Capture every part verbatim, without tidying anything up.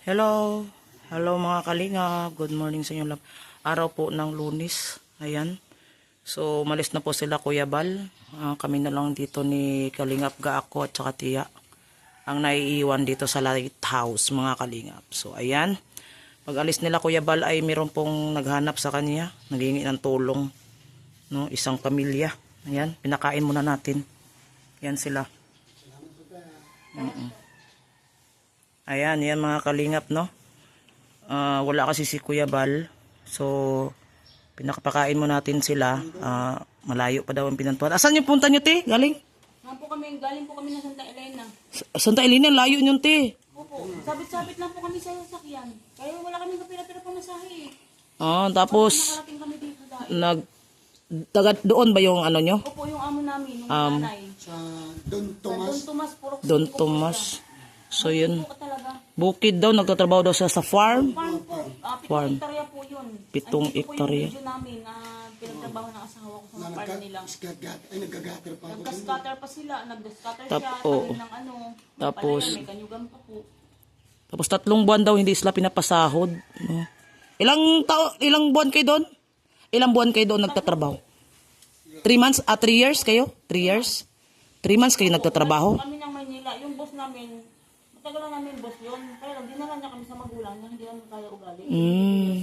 Hello. Hello mga kalinga. Good morning sa inyo lahat. Araw po ng Lunes. Ayan. So, umalis na po sila Kuya Bal. Uh, kami na lang dito ni Kalingap Gaako at saka Tiya. Ang naiiwan dito sa lighthouse mga kalingap. So, ayan. Pag alis nila Kuya Bal ay meron pong naghanap sa kanya. Naghingi ng tulong. No? Isang pamilya. Ayan. Pinakain muna natin. Ayan sila. Mm-mm. Ayan, yan mga kalingap, no? Uh, wala kasi si Kuya Bal. So, pinakapakain mo natin sila. Uh, malayo pa daw ang pinantuan. Asan yung punta nyo, te? Galing? Nga po kami, galing po kami na Santa Elena. Sa Santa Elena, layo nyo, te. Opo, sabit-sabit lang po kami sa sasakyan. Kaya wala kami kapira-pira pamasahe eh. Ah, tapos, nakarating kami dito dahil. nag, taga, doon ba yung ano nyo? Opo, yung amo namin, yung Um, nanay. Sa Don Tomas. Don Tomas, puro Don Tomas. So, yun. po talaga. Bukid daw, nagtatrabaho daw siya sa farm. Farm po, ah, pitong Farm. hektarya po yun. Pitong Andito po hektarya. yung video namin na pinagtrabaho ng asawa ko sa Na mga farm nila. nagka- ay, nagkagater pa ako. Nagka-scatter pa sila, nagda-scatter Tap- siya, oo. talim ng ano. Tapos- Palayan, may kanyugan pa po. Tapos tatlong buwan daw hindi sila pinapasahod. No? Ilang tao, ilang buwan kayo doon? Ilang buwan kayo doon nagtatrabaho? Three months? Ah, three years kayo? Three years? Three months kayo nagtatrabaho? Kami ng Maynila, yung boss namin, matagal na namin boss yun. Kaya lang, dinala niya kami sa magulang niya, hindi namin kaya ugali. Mm,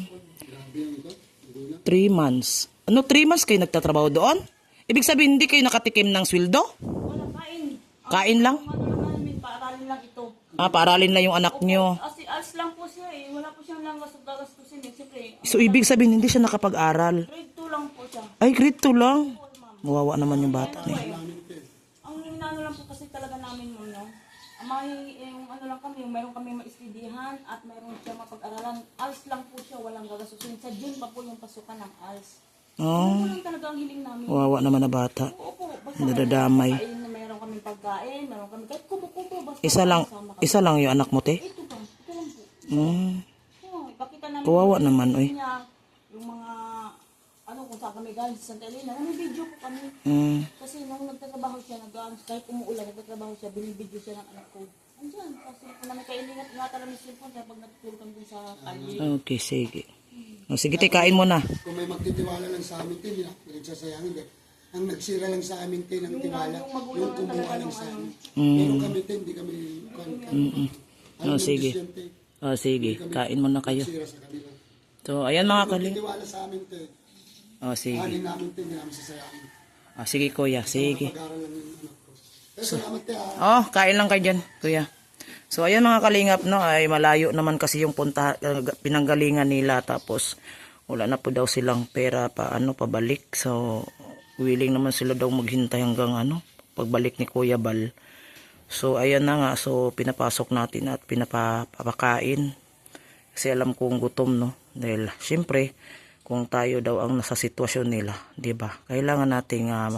three months. Ano, three months kayo nagtatrabaho doon? Ibig sabihin, hindi kayo nakatikim ng sweldo? Wala, kain. Kain lang? Ang ano lang namin, paaralin lang ito. Ah, paaralin lang yung anak nyo. Asi, alis lang po siya eh. Wala po siyang lang gastusin eh. Siyempre, So, ibig sabihin, hindi siya nakapag-aral. grade two lang po siya. Ay, grade two lang. Mawawa naman yung bata na yun. Ang inaano lang po kasi talaga namin mo, no? Ang may, yung ano lang kami, yung mayroon kami maistidihan at mayroon siya mapag-aralan. Alis lang po siya, walang gagastusin. Sa June pa po yung pasukan ng alis. Oh, Ano lang talaga ang hiling namin. mawawa naman na bata. Oo po, basta Nadadamay. Kain na mayroon kami pagkain, mayroon kami kahit kubo-kubo. Basta Isa lang, kasama kami. isa lang yung anak mo, te? Ito ba? Ito lang po. Mm. Oo, ipakita namin. Kawawa yung naman, video oy. niya, yung mga, ano, kung saan kami galing sa Santa Elena. May video po kami. Mm. Kasi nung nagtatrabaho siya, nag kahit umuulan, nagtatrabaho siya, binibidyo siya ng anak ko. Andiyan, kasi kung namin kailingat, ingatan namin cellphone kaya pag natutulog kami dun sa kalye. Okay, sige. O, sige, te, kain mo na. Kung may magtitiwala lang sa amin, tin, hindi na nagsasayangin. Eh. Ang nagsira lang sa amin, tin, ang Yung, tiwala, yung magulang yung lang kumuha talaga lang nung sa ano. amin. Mm. Pero kami, tin, hindi kami, Mm-mm. O, sige. O, sige, kain mo na kayo. nagsira sa kanila. So, ayan mga kaling. Magtitiwala sa amin, tin. O, sige. Anin namin, tin, hindi namin sasayangin. O, sige, kuya, sige. Pag-aaral lang yung anak ko. Pero salamat, tin, ah. Oh, kain lang kayo dyan, kuya. So, ayan mga kalingap, no, ay malayo naman kasi yung punta, uh, pinanggalingan nila. Tapos, wala na po daw silang pera pa, ano, pabalik. So, willing naman sila daw maghintay hanggang, ano, pagbalik ni Kuya Bal. So, ayan na nga. So, pinapasok natin at pinapapakain. Kasi alam kong gutom, no. Dahil, syempre, kung tayo daw ang nasa sitwasyon nila, di ba? Kailangan nating uh,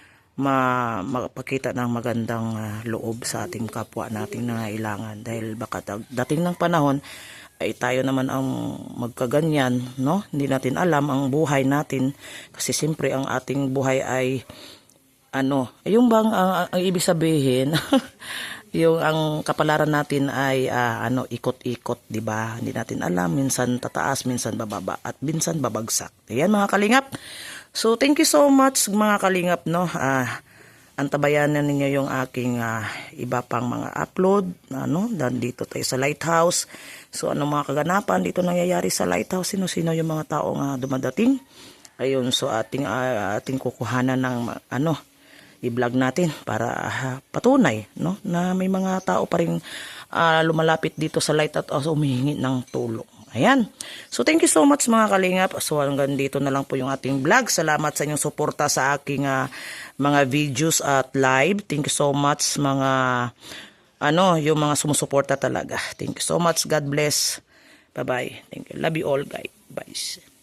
ma mapakita ng magandang uh, loob sa ating kapwa nating nangailangan. Dahil baka dating ng panahon, ay tayo naman ang magkaganyan, no? Hindi natin alam ang buhay natin. Kasi siyempre, ang ating buhay ay, ano, yung bang, ang, ang ibig sabihin, yung ang kapalaran natin ay uh, ano ikot-ikot, di ba? Hindi natin alam, minsan tataas, minsan bababa, at minsan babagsak. Ayan mga kalingap. So thank you so much mga kalingap, no. Ah, uh, antabayanan ninyo yung aking uh, iba pang mga upload, ano, dan dito tayo sa lighthouse. So ano mga kaganapan dito nangyayari sa lighthouse, sino-sino yung mga taong uh, dumadating. Ayun, so ating uh, ating kukuhanan ng ano i-vlog natin para uh, patunay, no, na may mga tao pa ring uh, lumalapit dito sa light at also humihingi ng tulong. Ayan. So thank you so much mga kalingap. So hanggang dito na lang po yung ating vlog. Salamat sa inyong suporta sa aking uh, mga videos at live. Thank you so much mga ano, yung mga sumusuporta talaga. Thank you so much. God bless. Bye-bye. Thank you. Love you all guys. Bye.